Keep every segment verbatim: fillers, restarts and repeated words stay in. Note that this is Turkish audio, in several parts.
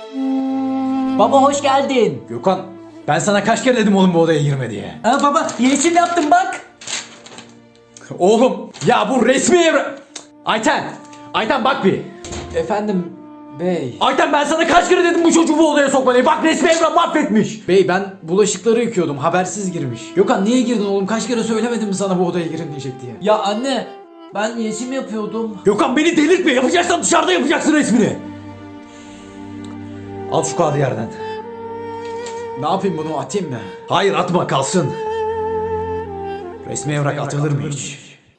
Baba hoş geldin. Gökhan, ben sana kaç kere dedim oğlum bu odaya girme diye. Ha baba yeşil yaptım bak. Oğlum ya bu resmi evre... Ayten, Ayten bak bir. Efendim bey. Ayten ben sana kaç kere dedim bu çocuğu bu odaya sokma diye. Bak resmi evren mahvetmiş. Bey ben bulaşıkları yıkıyordum, habersiz girmiş. Gökhan niye girdin oğlum, kaç kere söylemedim mi sana bu odaya girin diyecek diye. Ya anne ben yeşil yapıyordum. Gökhan beni delirtme, yapacaksan dışarıda yapacaksın resmini. Al şu kağıdı yerden. Ne yapayım, bunu atayım mı? Hayır atma, kalsın. Resmi evrak atılır mı hiç?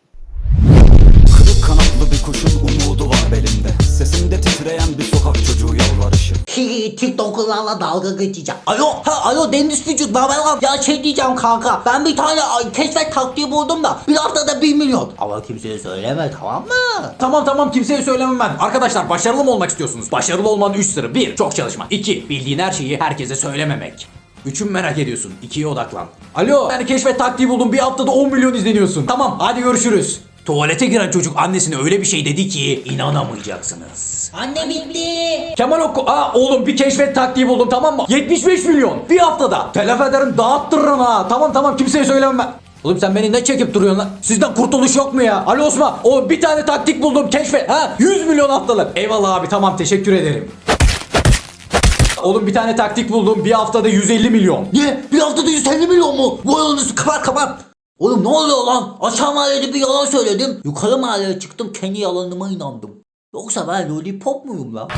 Kırık kanatlı bir kuşun umudu var belimde. Sesimde titreyen bir sokak çocuğu yalvarışı. TikTok'larla dalga geçeceğim. Alo, ha alo Deniz Küçük, ne haber lan? Ya şey diyeceğim kanka, ben bir tane ay, keşfet taktiği buldum da bir haftada bir milyon. Ama kimseye söyleme, tamam mı? Tamam tamam, kimseye söylemem ben. Arkadaşlar başarılı mı olmak istiyorsunuz? Başarılı olmanın üç sırrı. bir Çok çalışma. iki Bildiğin her şeyi herkese söylememek. Üçün merak ediyorsun. ikiye odaklan. Alo, yani keşfet taktiği buldum. Bir haftada on milyon izleniyorsun. Tamam hadi görüşürüz. Tuvalete giren çocuk annesine öyle bir şey dedi ki inanamayacaksınız. Anne bitti. Kemal Okku, aa oğlum bir keşfet taktiği buldum, tamam mı? yetmiş beş milyon bir haftada. Telef ederim, dağıttırırım ha. Tamam tamam, kimseye söylemem ben. Oğlum sen beni ne çekip duruyorsun lan? Sizden kurtuluş yok mu ya? Alo Osman, o bir tane taktik buldum, keşfet. Ha yüz milyon haftalık. Eyvallah abi, tamam teşekkür ederim. Oğlum bir tane taktik buldum, bir haftada yüz elli milyon. Ne? Bir haftada yüz elli milyon mu? Vay anasını, kapat kapat. Oğlum ne oluyor lan? Aşağı mahallede bir yalan söyledim. Yukarı mahalleye çıktım, kendi yalanıma inandım. Yoksa ben lollipop muyum lan?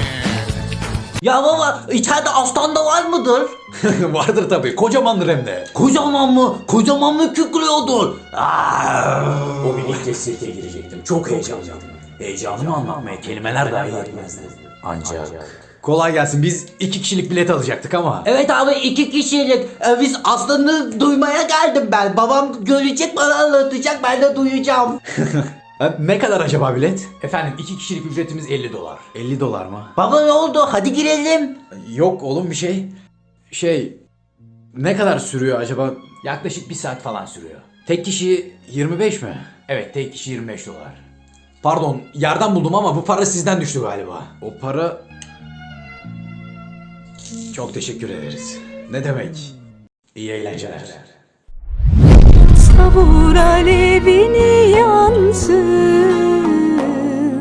Ya baba, içeride aslan da var mıdır? Vardır tabii, kocamandır hem de. Kocaman mı? Kocaman mı kükrüyordur? Aa! O gün ilk kez sirke girecektim, çok heyecanlıydım. Heyecanımı anlatmaya kelimeler dahi yetmezdi. Ancak... Kolay gelsin, biz iki kişilik bilet alacaktık ama. Evet abi, iki kişilik. Ee, biz aslanı duymaya geldim ben. Babam görecek, bana anlatacak, ben de duyacağım. Ha, ne kadar acaba bilet? Efendim iki kişilik ücretimiz elli dolar. elli dolar mı? Baba ne oldu? Hadi girelim. Yok oğlum bir şey. Şey, ne kadar sürüyor acaba? Yaklaşık bir saat falan sürüyor. Tek kişi yirmi beş mi? Evet, tek kişi yirmi beş dolar. Pardon, yerden buldum ama bu para sizden düştü galiba. O para... Çok teşekkür ederiz. Ne demek? İyi eğlenceler. Savur alevini yansın,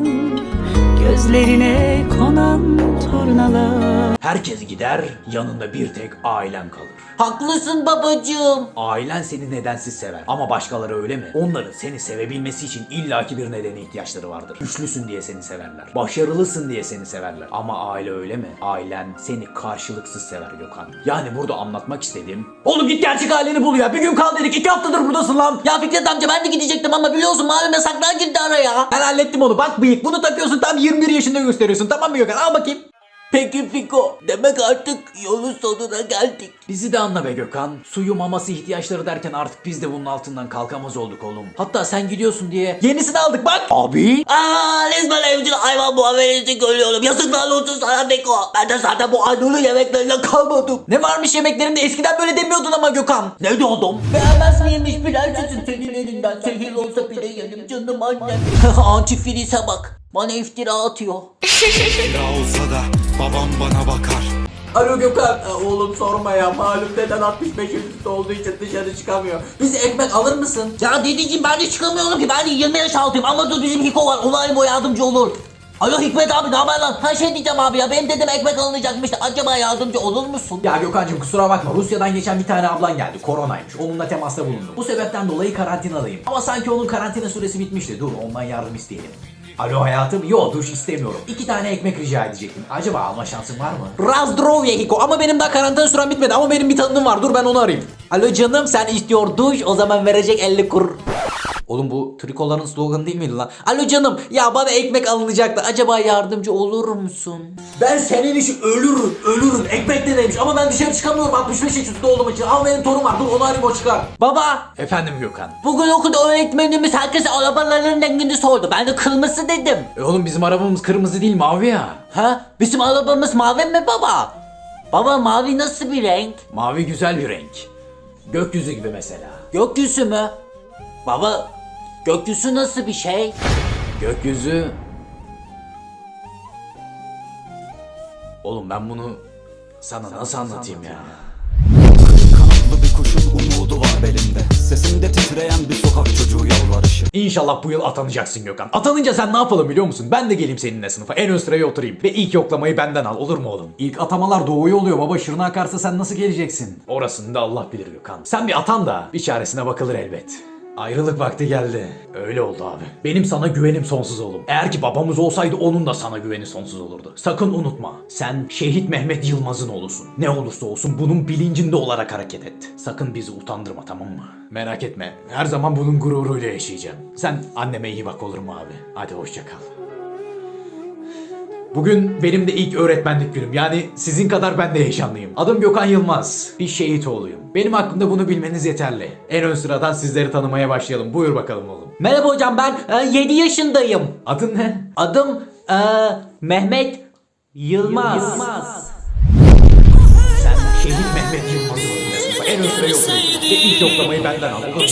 gözlerine konan turnalar. Herkes gider, yanında bir tek ailen kalır. Haklısın babacığım. Ailen seni nedensiz sever. Ama başkaları öyle mi? Onların seni sevebilmesi için illaki bir nedene ihtiyaçları vardır. Güçlüsün diye seni severler. Başarılısın diye seni severler. Ama aile öyle mi? Ailen seni karşılıksız sever Gökhan. Yani burada anlatmak istediğim... Oğlum git gerçek aileni bul ya. Bir gün kal dedik. iki haftadır buradasın lan. Ya Fikret amca, ben de gidecektim ama biliyorsun malum yasaklar girdi araya. Ben hallettim onu. Bak bıyık. Bunu takıyorsun, tam yirmi bir yaşında gösteriyorsun. Tamam mı Gökhan? Al bakayım. Peki Fiko, demek artık yolun sonuna geldik. Bizi de anla be Gökhan. Suyu, maması, ihtiyaçları derken artık biz de bunun altından kalkamaz olduk oğlum. Hatta sen gidiyorsun diye yenisini aldık bak. Abi. Aa, resmen evcil hayvan muamelesi görüyorum. Yazıklar olsun sana Fiko. Ben de zaten bu Anadolu yemeklerine kalmadım. Ne varmış yemeklerinde, eskiden böyle demiyordun ama Gökhan. Ne diyordum? Beğenmez miymiş prensesin senin elinden? Zehir olsa bile yedim canım annem. Antifrize bak. Bana iftira atıyor. İftira olsa da babam bana bakar. Alo Gökhan, e, oğlum sorma ya, malum deden altmış beş üstü olduğu için dışarı çıkamıyor. Bize ekmek alır mısın? Ya dedeciğim, ben de çıkamıyorum ki, ben de yirmi yaş altıyım ama dur bizim Hiko var, onay o yardımcı olur. Alo Hikmet abi, ne haber lan? Ha şey diyeceğim abi ya, benim dedem ekmek alınacakmıştı, acaba yardımcı olur musun? Ya Gökhan'cığım kusura bakma, Rusya'dan geçen bir tane ablan geldi, koronaymış, onunla temasta bulundum. Bu sebepten dolayı karantinadayım. Ama sanki onun karantina süresi bitmişti, dur ondan yardım isteyelim. Alo hayatım, yo duş istemiyorum. İki tane ekmek rica edecektim. Acaba alma şansın var mı? Razdrovye Hiko, ama benim daha karantina sürem bitmedi, ama benim bir tanıdığım var, dur ben onu arayayım. Alo canım, sen istiyor duş, o zaman verecek elli kur. Oğlum bu trikoların sloganı değil miydi lan? Alo canım, ya bana ekmek alınacaktı, acaba yardımcı olur musun? Ben senin için ölürüm, ölürüm. Ekmek de demiş ama ben dışarı çıkamıyorum altmış beş yaş üstü olduğum için. Ama benim torun var, dur onu arayayım, o çıkar. Baba, Efendim Gökhan. bugün okulda öğretmenimiz herkese arabaların rengini sordu, ben de kırmızı dedim. E oğlum bizim arabamız kırmızı değil, mavi ya. Ha? Bizim arabamız mavi mi baba? Baba, mavi nasıl bir renk? Mavi güzel bir renk. Gökyüzü gibi mesela. Gökyüzü mü? Baba, gökyüzü nasıl bir şey? Gökyüzü... Oğlum ben bunu sana nasıl anlatayım ya? Kanatlı bir kuşun umudu var belimde. Sesimde titreyen bir sokak çocuğu yalvarışı. İnşallah bu yıl atanacaksın Gökhan. Atanınca sen ne yapalım biliyor musun? Ben de geleyim seninle sınıfa. En ön sıraya oturayım. Ve ilk yoklamayı benden al. Olur mu oğlum? İlk atamalar doğuya oluyor baba. Şırna akarsa sen nasıl geleceksin? Orasını da Allah bilir Gökhan. Sen bir atan da bir çaresine bakılır elbet. Ayrılık vakti geldi. Öyle oldu abi. Benim sana güvenim sonsuz oğlum. Eğer ki babamız olsaydı onun da sana güveni sonsuz olurdu. Sakın unutma. Sen Şehit Mehmet Yılmaz'ın oğlusun. Ne olursa olsun bunun bilincinde olarak hareket et. Sakın bizi utandırma, tamam mı? Merak etme. Her zaman bunun gururuyla yaşayacağım. Sen anneme iyi bak, olur mu abi? Hadi hoşça kal. Bugün benim de ilk öğretmenlik günüm. Yani sizin kadar ben de heyecanlıyım. Adım Gökhan Yılmaz. Bir şehit oğluyum. Benim hakkımda bunu bilmeniz yeterli. En ön sıradan sizleri tanımaya başlayalım. Buyur bakalım oğlum. Merhaba hocam, ben yedi yaşındayım. Adın ne? Adım e, Mehmet Yılmaz. Sen Şehit Mehmet Yılmaz'ın oğlusun. En ön sıraya oturuyorsun. Ve ilk yoklamayı benden al. Olur mu?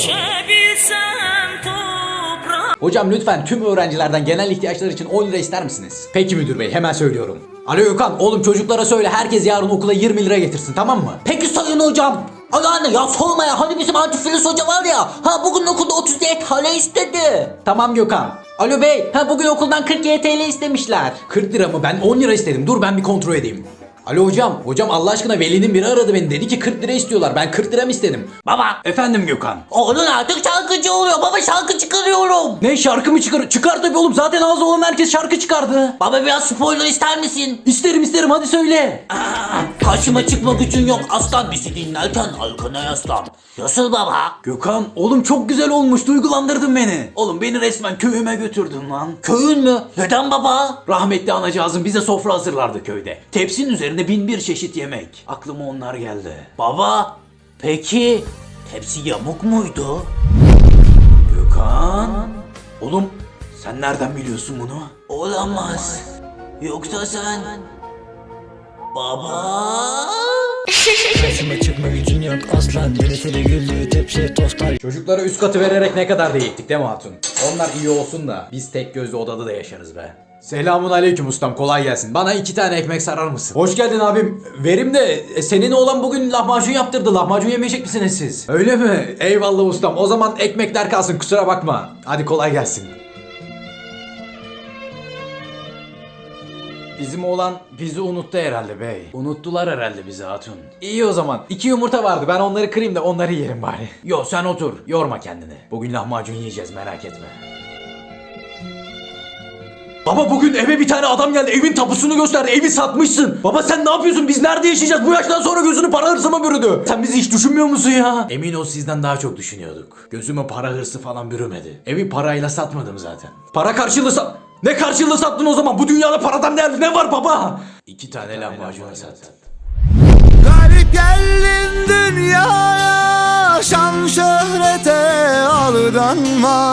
Hocam lütfen tüm öğrencilerden genel ihtiyaçlar için on lira ister misiniz? Peki müdür bey, hemen söylüyorum. Alo Gökhan, oğlum çocuklara söyle herkes yarın okula yirmi lira getirsin, tamam mı? Peki sayın hocam. Ay anne ya sorma ya, hani bizim antifiliz hoca var ya, ha bugün okulda otuz dört T L istedi. Tamam Gökhan. Alo bey, ha bugün okuldan kırk T L istemişler. kırk lira mı? Ben on lira istedim. Dur ben bir kontrol edeyim. Alo hocam. Hocam Allah aşkına velinin biri aradı beni. Dedi ki kırk lira istiyorlar. Ben kırk lira mı istedim? Baba. Efendim Gökhan. Oğlun artık şarkıcı oluyor baba, şarkı çıkarıyorum. Ne, şarkı mı çıkar? Çıkar tabii oğlum. Zaten ağzı olan herkes şarkı çıkardı. Baba biraz spoiler ister misin? İsterim isterim, hadi söyle. Aa, karşıma çıkma gücün yok aslan, bizi dinlerken arkana yaslan. Nasıl baba? Gökhan oğlum çok güzel olmuş. Duygulandırdın beni. Oğlum beni resmen köyüme götürdün lan. Köyün mü? Neden baba? Rahmetli anacığızın bize sofra hazırlardı köyde. Tepsinin üzerinde bin bir çeşit yemek. Aklıma onlar geldi. Baba, peki hepsi yamuk muydu? Gökhan. Oğlum sen nereden biliyorsun bunu? Olamaz. Yoksa sen... Baba... Karşıma çıkma gücün yok aslan. Birisi güldüğü tepsi tostlar. Çocuklara üst katı vererek ne kadar da eğittik değil mi hatun? Onlar iyi olsun da biz tek gözlü odada da yaşarız be. Selamun aleyküm ustam, kolay gelsin. Bana iki tane ekmek sarar mısın? Hoş geldin abim. Verim de e, senin oğlan bugün lahmacun yaptırdı. Lahmacun yemeyecek misiniz siz? Öyle mi? Eyvallah ustam. O zaman ekmekler kalsın, kusura bakma. Hadi kolay gelsin. Bizim oğlan bizi unuttu herhalde bey. Unuttular herhalde bizi hatun. İyi o zaman. İki yumurta vardı. Ben onları kırayım da onları yiyelim bari. Yo sen otur. Yorma kendini. Bugün lahmacun yiyeceğiz, merak etme. Baba bugün eve bir tane adam geldi. Evin tapusunu gösterdi. Evi satmışsın. Baba sen ne yapıyorsun? Biz nerede yaşayacağız? Bu yaştan sonra gözünü para hırsı mı bürüdü? Sen bizi hiç düşünmüyor musun ya? Emin ol sizden daha çok düşünüyorduk. Gözüme para hırsı falan bürümedi. Evi parayla satmadım zaten. Para karşılığı sat... Ne karşılığı sattın o zaman? Bu dünyada paradan değerli ne var baba? İki tane lahmacun sattım. Garip geldin dünyaya, şan şöhrete aldanma.